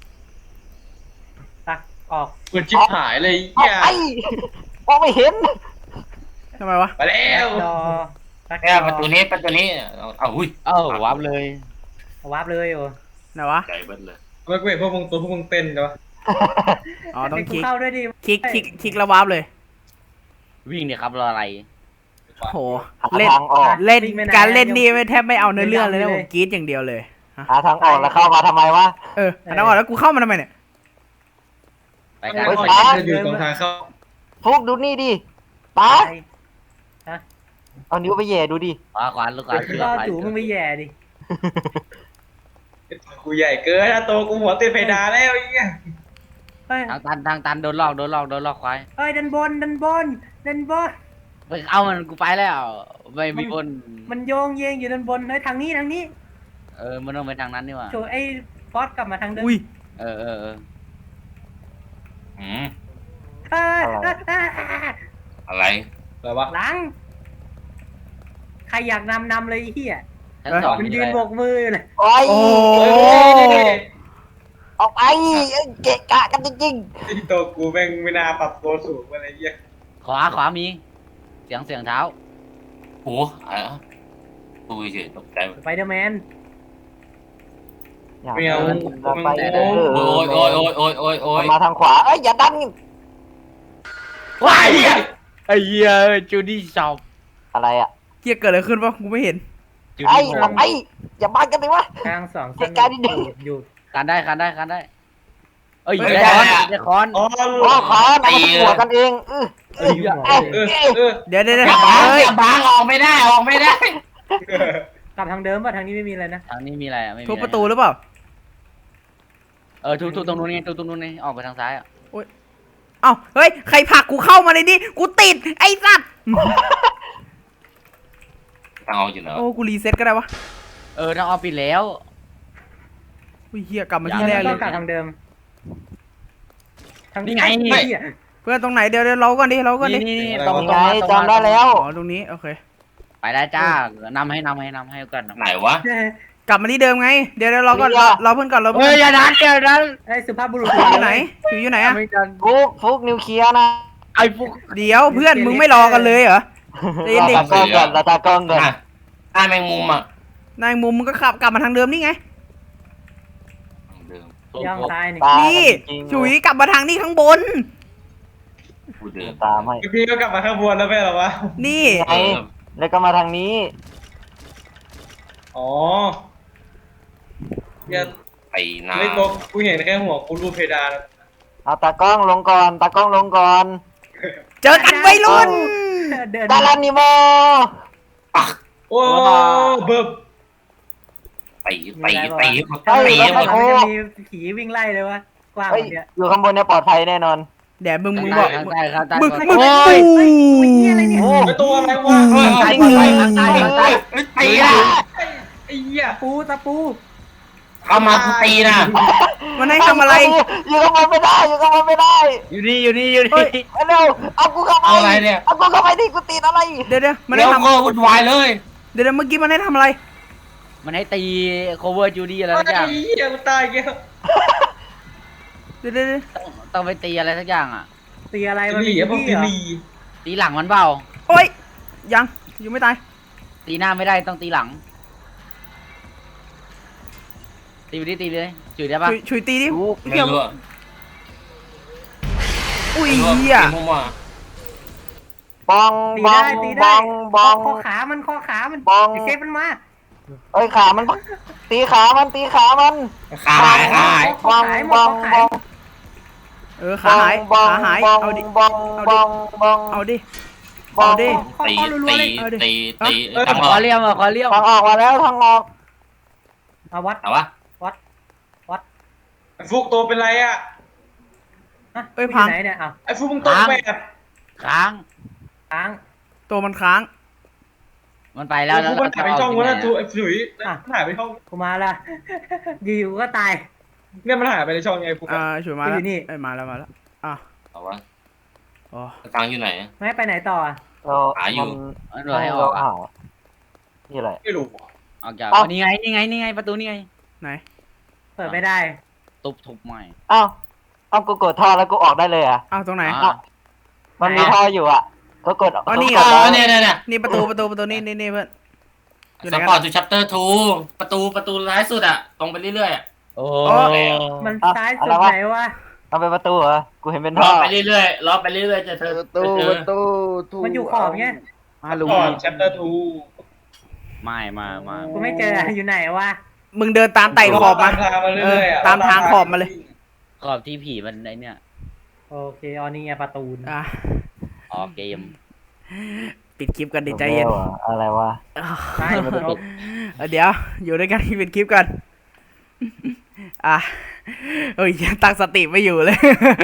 Speaker 4: อ่ะออก
Speaker 5: เปิดชิบหายเลย
Speaker 3: ออก
Speaker 5: เหี้ย
Speaker 3: ไอ้มองไม่เห็น
Speaker 1: ทำไมวะ
Speaker 5: ไปแล้ว
Speaker 4: ดอ
Speaker 2: แค่ประตูนี้เอาหุ้ย
Speaker 6: เอ้าวับเลย
Speaker 4: วาร์ปเลยโอ้
Speaker 1: ไหนวะ
Speaker 2: ใจเบิ้ลเลย
Speaker 5: ไม่กูเห็นพวกมึงตัวพวกมึงเต้นใช่ปะ
Speaker 1: อ๋อต้อง
Speaker 4: ให้กู
Speaker 1: คลิก
Speaker 4: เข้าด้วยดิ
Speaker 1: คลิกแล้ววาร์ปเลย
Speaker 6: วิ่งเนี่ยครับรออะไร
Speaker 1: โห
Speaker 3: หา
Speaker 1: เล่น
Speaker 3: ทางออก
Speaker 1: เล่นการเล่นนี่ไม่แทบไม่เอาเนื้อเรื่องเลยนะผมกรี๊ดอย่างเดียวเลย
Speaker 3: หาทางออกแล้วเข้ามาทำไมวะ
Speaker 1: อันนั้นก่อนแล้วกูเข้ามาทำไมเนี่ย
Speaker 6: ไปกัน
Speaker 3: เฮ้ย
Speaker 5: จะอยู่ตรงทางเข้า
Speaker 3: ฟุกดูนี่ดิป้า
Speaker 4: ไป
Speaker 3: เอานิ้วไปแย่ดูดิ
Speaker 6: ขวาลูกขวาเชือ
Speaker 4: ก็
Speaker 6: ก
Speaker 4: จู่มึงไม่แย่ดิ
Speaker 5: กูใหญ่เกินนะโตกูหัวติดเพดานแล้วไอ้เหี้ย
Speaker 4: เฮ้ย
Speaker 6: ทางตันโดนหลอกควาย
Speaker 4: เฮ้ยดันบน
Speaker 6: ไปเอามันกูไปแล้ว ไม่มีบน
Speaker 4: มันโยงเยงอยู่ด้านบนเฮ้ยทางนี้
Speaker 6: มันต้องไปทางนั้นนี่หว่า
Speaker 4: โถไอ้ฟอสกลับมาทางเดิม
Speaker 1: อุ้ย
Speaker 6: เออ
Speaker 2: อืม
Speaker 4: เอ้ย
Speaker 2: อะไร
Speaker 5: อะไรวะ
Speaker 4: หลัง ใครอยากนำเลยไอ้เหี้ย
Speaker 6: ชั้นสอง
Speaker 4: มัน
Speaker 6: มี
Speaker 4: ยื
Speaker 6: อะ
Speaker 4: น
Speaker 6: ไร
Speaker 4: โบกมือเลย
Speaker 3: โอ้ย
Speaker 1: โอ้
Speaker 3: ออกไปเกะกะกันจริง
Speaker 5: ที่โตกูแม่งไม่น่าปรับตัวสูงอะไรเงี้ย
Speaker 6: ขวามีเสียงเท้า
Speaker 2: โอ้อะไรตูเฉยตกใจ
Speaker 4: สไปเดอร์แมน
Speaker 3: ๆอยาก
Speaker 5: เมียว
Speaker 3: เดินเราไป
Speaker 5: โอ้
Speaker 3: เด้อ
Speaker 2: โอ้ย
Speaker 3: มันมาทางขวาเอ้ยอย่าดัน
Speaker 6: ว้ายไอ้เหี้ยจูดี้ช็อป
Speaker 3: อะไรอ่ะ
Speaker 1: เกียเกิดอะไรขึ้นวะกูไม่เห็น
Speaker 6: จู
Speaker 3: ไอ้
Speaker 6: ดี้
Speaker 3: ออกไปอย่ามากันดิวะ
Speaker 4: ทางสอง
Speaker 3: เหตุการณ์ที่ดี
Speaker 4: อยู่
Speaker 6: กันได้เอ้ย
Speaker 5: ไม่
Speaker 6: ได้
Speaker 5: ได้
Speaker 6: คอน
Speaker 5: อ๋อ
Speaker 3: โอ้ขอเอามาหัวกันเองเอ้ย
Speaker 1: เดี๋ยว
Speaker 6: เฮ้ย
Speaker 1: เฮ้ย
Speaker 6: บางออกไม่ได้
Speaker 4: กลับทางเดิมป่ะทางนี้ไม่มีอะไรนะ
Speaker 6: ทางนี้มีอะไรอ่ะไม่มี
Speaker 1: ทุบประตูหรือเปล่า
Speaker 6: ทุบตรงนู้นนี่ทุบตรงนู้นนี่ออกไปทางซ้ายอ่ะ
Speaker 1: เอ้าเฮ้ยใครผลักกูเข้ามาในนี้กูติดไอ้สัตว์
Speaker 2: ทางเอาอยู่เนอะ
Speaker 1: โอ้กูรีเซ็ตก็ได้วะ
Speaker 6: ทางออกปิดแล้ว
Speaker 1: อุ้ยเฮียกลับมาที่แรกเล
Speaker 4: ต้อย งกลับทางเดิม
Speaker 6: นี่ไง
Speaker 4: เหี้ย
Speaker 1: เพื่อนตรงไหนเดี๋ยวเราก่อนดิ
Speaker 6: นี่ตรง
Speaker 3: ยังไงจำได้แล้ว
Speaker 1: อ๋อตรงนี้โอเค
Speaker 6: ไปได้จ้านำให้กัน
Speaker 2: ไหนวะ
Speaker 1: กลับมาที่เดิมไงเดี๋ยวเราก่อนเราเพื่อนก่อนเรา
Speaker 6: เฮ้
Speaker 1: เพื่
Speaker 6: ย
Speaker 1: อน
Speaker 6: อย่าดัน
Speaker 4: ไอ้สุภาพบุรุษ
Speaker 1: อยู่ไหนอยู่ไหนอะ
Speaker 6: ไม่กัน
Speaker 3: ฟุกนิวเคลียร์นะ
Speaker 6: ไอ้พวก
Speaker 1: เดี๋ยวเพื่อนมึงไม่รอกันเลยเหรอเดี๋ยว
Speaker 3: เรา
Speaker 1: เด็ก
Speaker 3: ตากล้องก่อนเราตากล้องก่อน
Speaker 2: หน้าแมงมุมอ่ะ
Speaker 1: นายมุมมึงก็ขับกลับมาทางเดิมนี่ไง
Speaker 2: เดิม
Speaker 4: ย่างซ้ายนี่
Speaker 3: ตา
Speaker 1: นี่
Speaker 3: จริงๆ
Speaker 1: ฉุยกลับมาทางนี้ข้างบน
Speaker 2: กูเดิม
Speaker 3: ตามให้
Speaker 5: พี่ก็กลับมาข้างบนแล้วไม่เหรอวะ
Speaker 1: นี่
Speaker 3: ไงแล้วก็มาทางนี้
Speaker 5: อ๋อเนี่ย
Speaker 2: ไปหน้า
Speaker 5: ไม่โตกูเห็นแค่หัวกูรูปเพดาน
Speaker 3: เอาตากล้องลงก่อนตากล้องลงก่อน
Speaker 1: เจอกันวัยรุ่น
Speaker 4: เดิน
Speaker 3: ดารานิโม
Speaker 5: โอ้เบิบ
Speaker 2: ตีหมด
Speaker 4: เฮ้ย
Speaker 2: หมด
Speaker 4: มันจะมีผีวิ่งไล่เลยวะกว้าง
Speaker 3: เฮ้ย
Speaker 4: เนี่ย
Speaker 3: อยู่ข้างบนเนี่ยปลอดภัยแน่นอน
Speaker 1: เดี๋ยวมึงบอก
Speaker 6: ได้ครับ
Speaker 1: มึง
Speaker 6: โอ้ย
Speaker 3: โอ้
Speaker 5: ไอตัวอะไรวะ
Speaker 6: ตาย
Speaker 3: จริง
Speaker 6: ตาย
Speaker 2: ตีอ่ะ
Speaker 5: ไอ้เหี้ย
Speaker 4: ตะปู
Speaker 2: เอามากูตีนะ
Speaker 1: มันให้ทำอะไร
Speaker 3: อยู่กับมันไม่ได้อยู่กับมันไม่ได้
Speaker 6: อยู่นี่อยู่นี่อยู่
Speaker 1: เฮ้ย
Speaker 6: นี่
Speaker 3: เร็วเอากูเข้าไป
Speaker 2: เอาอะไรเนี่ย
Speaker 3: เอากูเข้าไปดิกูติดอะไร
Speaker 1: เดี๋ยวมัน
Speaker 2: เดี๋
Speaker 1: ให้
Speaker 2: ยว
Speaker 1: ทำ
Speaker 2: ก็วุ่นวายเลย
Speaker 1: เดี๋ยวเมื่อกี้มันให้ทำอะไร
Speaker 6: มันให้ตี cover จูดี้อะไรสักอย่าง
Speaker 5: ไอ้เหี้ยกูตายแก
Speaker 1: เดี๋ยว
Speaker 6: ต้องไปตีอะไรสักอย่างอ่ะ
Speaker 4: ตีอะไรมัน
Speaker 5: ลี
Speaker 4: มี
Speaker 5: อะพวก
Speaker 4: ที่เหรอ
Speaker 5: ลี
Speaker 6: ตีหลังมันเปล่า
Speaker 1: โอ้ยยังอยู่ไม่ตาย
Speaker 6: ตีหน้าไม่ได้ต้องตีหลัง ตีไปดิตีเลยจุดได้ปะ
Speaker 1: ชุยตีดิ
Speaker 2: ไม่รู้อะ
Speaker 1: อุ้ย
Speaker 2: ไม่รู้อะ
Speaker 1: เหี้ย
Speaker 2: ตีมั่ว
Speaker 3: บอง
Speaker 4: ตี
Speaker 3: บอ
Speaker 4: ได้
Speaker 3: ง
Speaker 4: ตี
Speaker 3: บ
Speaker 4: ได้
Speaker 3: องบอง
Speaker 4: ข้อขามันข้อขามัน
Speaker 3: บอง
Speaker 4: ไอ้เซฟมันมา
Speaker 3: เอ้ยขามันตีขามันตีขามัน
Speaker 2: ๆขาหายขาหาย
Speaker 3: บองบองบอง
Speaker 1: ขาหาย
Speaker 3: บอง
Speaker 1: ขาหาย
Speaker 3: บอง
Speaker 1: เอาดิ
Speaker 3: บองบองบอง
Speaker 1: เอาดิ
Speaker 3: บอง
Speaker 1: เอาดิ
Speaker 4: ข้อ
Speaker 2: ตี
Speaker 4: ข้อรัวๆเลย
Speaker 1: เอาดิ
Speaker 2: ตี
Speaker 1: เอา
Speaker 2: ตีตั้ง
Speaker 6: ข
Speaker 2: อ
Speaker 6: อ
Speaker 2: อก
Speaker 6: เลี้ยมอ่ะขอเลี้ยม
Speaker 3: ทางออกมาแล้วทางออก
Speaker 4: เอาวัด
Speaker 2: แต่ว่า
Speaker 5: ไอ้ฟุกตัวเป็นไรอะ
Speaker 4: ฮะ
Speaker 1: เอ้ย
Speaker 4: มัน
Speaker 1: พัง
Speaker 4: ไหนเนี่ยอ้าว
Speaker 5: ไอ้ฟุกมึงตกแบบ
Speaker 6: ค้าง
Speaker 4: ค้าง
Speaker 1: ตัวมันค้าง
Speaker 6: มันไปแล้ว
Speaker 5: ไอ้ฟุกมันหายไปช่องวะนะตัวไอ้ถุยมันหายไปช่อง
Speaker 4: กูมาละอยู่ๆก็ตาย
Speaker 5: เนี่ยมันหายไปในช่องไงฟุก
Speaker 1: ชุยมาแล้ว
Speaker 4: อยู่นี่
Speaker 1: เอ้ยมาแล้วอ่ะ
Speaker 2: แต่ว่า
Speaker 1: อ๋อ
Speaker 2: ทางอยู่ไหน
Speaker 4: ไม่ไปไหนต่ออะ
Speaker 3: เรา
Speaker 2: หาอยู่
Speaker 6: มันบอกให้ออกอ่ะ
Speaker 3: นี่อะไร
Speaker 5: ไม่รู้
Speaker 6: ออกจาก
Speaker 3: เอ้า
Speaker 6: นี่ไงนี่ไงนี่ไงประตูนี่ไง
Speaker 1: ไหน
Speaker 4: เปิดไม่ได้
Speaker 6: ตุบทุบใหม่
Speaker 3: อ้าวเอากูกดท่อแล้วกูออกได้เลยอ่ะ
Speaker 1: อ้าวตรงไหน
Speaker 6: อ่ะ
Speaker 3: มันมีท่ออยู่อ่ะก็กด
Speaker 1: อ๋อนี่
Speaker 3: ก
Speaker 1: เหร
Speaker 3: ด
Speaker 1: อ
Speaker 3: แล้ว
Speaker 2: เนี่ย
Speaker 1: นี่ประตูนี่เพื่อน อยู่ไห
Speaker 2: ส
Speaker 1: นกัน
Speaker 2: ปอร์ตทูชัปเตอร์ทูประตูท้ายสุดอะตรงไปเรื่อยๆอะ
Speaker 6: โอ้
Speaker 1: อ๋อ
Speaker 4: มันซ้ายสุดไหนวะ
Speaker 3: เอาไปประตูเหรอกูเห็นเป็น
Speaker 2: ร
Speaker 3: ท่
Speaker 2: อ
Speaker 3: อ
Speaker 2: ไปเรื่อยๆรอไปเรื่อยๆจะเธอ
Speaker 3: ประตู
Speaker 2: จะเจอ
Speaker 3: ประตูทู
Speaker 4: มันอยู่ขอบเงี้ย
Speaker 6: มาลุง
Speaker 5: ก่อนแชปเตอร์ทู
Speaker 6: ไม่มา
Speaker 4: กูไม่เจออยู่ไหนวะ
Speaker 1: มึงเดินตามไต่ขอบมา
Speaker 5: ตามทางมาเรื่อยๆอะ
Speaker 1: ตามทางขอบมาเลย
Speaker 6: ขอบที่ผีมันไอเนี่ย
Speaker 4: โอเคอ๋อนี่ไงประตู
Speaker 1: อ่ะ
Speaker 6: ออกเกม
Speaker 1: ปิดคลิปกันดิใจเย็น
Speaker 3: อะไรวะ
Speaker 4: ใช่จบ
Speaker 1: เดี๋ยวอยู่ด้วยกันปิดคลิปกันอ่ะเฮ้ยยังตั้งสติไม่อยู่เลย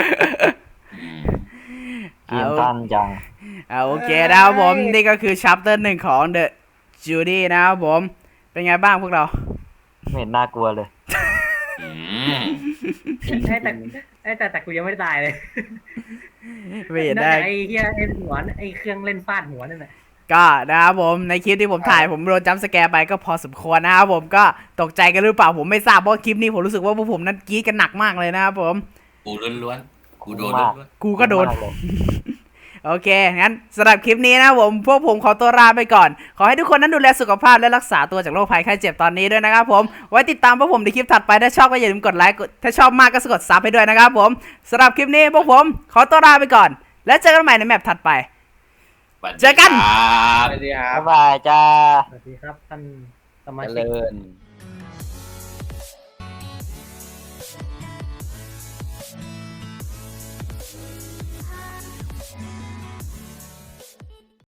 Speaker 3: เกมสั้นจัง
Speaker 1: โอเคนะครับผมนี่ก็คือชัปเตอร์1ของ The Judy นะครับผมเป็นไงบ้างพวกเรา
Speaker 3: ไม่เห็นน่ากลัวเลย
Speaker 2: อืม
Speaker 4: แต่กูยังไม่ได้ตายเลย
Speaker 1: ไม่เห็นได้
Speaker 4: ไอ้เหี้ยไอ้หัวไอ้เครื่องเล่นฟาดหัวนั่นแหละ
Speaker 1: ก็นะครับผมในคลิปที่ผมถ่ายผมโดนจัมป์สแกร์ไปก็พอสมควรนะครับผมก็ตกใจกันหรือเปล่าผมไม่ทราบเพราะคลิปนี้ผมรู้สึกว่าพวกผมนั้นกรี๊ดกันหนักมากเลยนะครับผม
Speaker 2: กูล้วนๆกูโดนล้วน
Speaker 1: กูก็โดน
Speaker 3: มากเลย
Speaker 1: โอเค งั้นสำหรับคลิปนี้นะผมพวกผมขอตัวลาไปก่อน ขอให้ทุกคนนั้นดูแลสุขภาพและรักษาตัวจากโรคภัยไข้เจ็บตอนนี้ด้วยนะครับผม ไว้ติดตามพวกผมในคลิปถัดไป ถ้าชอบก็อย่าลืมกดไลค์ ถ้าชอบมากก็กดซับให้ด้วยนะครับผมสำหรับคลิปนี้พวกผมขอตัวลาไปก่อน แล้วเจอกันใหม่ในแมปถัดไป
Speaker 2: ๆสวัสดี
Speaker 1: เจอกัน
Speaker 2: ครับ
Speaker 5: สวัสดีครับ
Speaker 3: บ๊ายบายจ้า
Speaker 4: สวัสดีครับท่านสมา
Speaker 6: เจ
Speaker 4: ชิก
Speaker 6: ริญ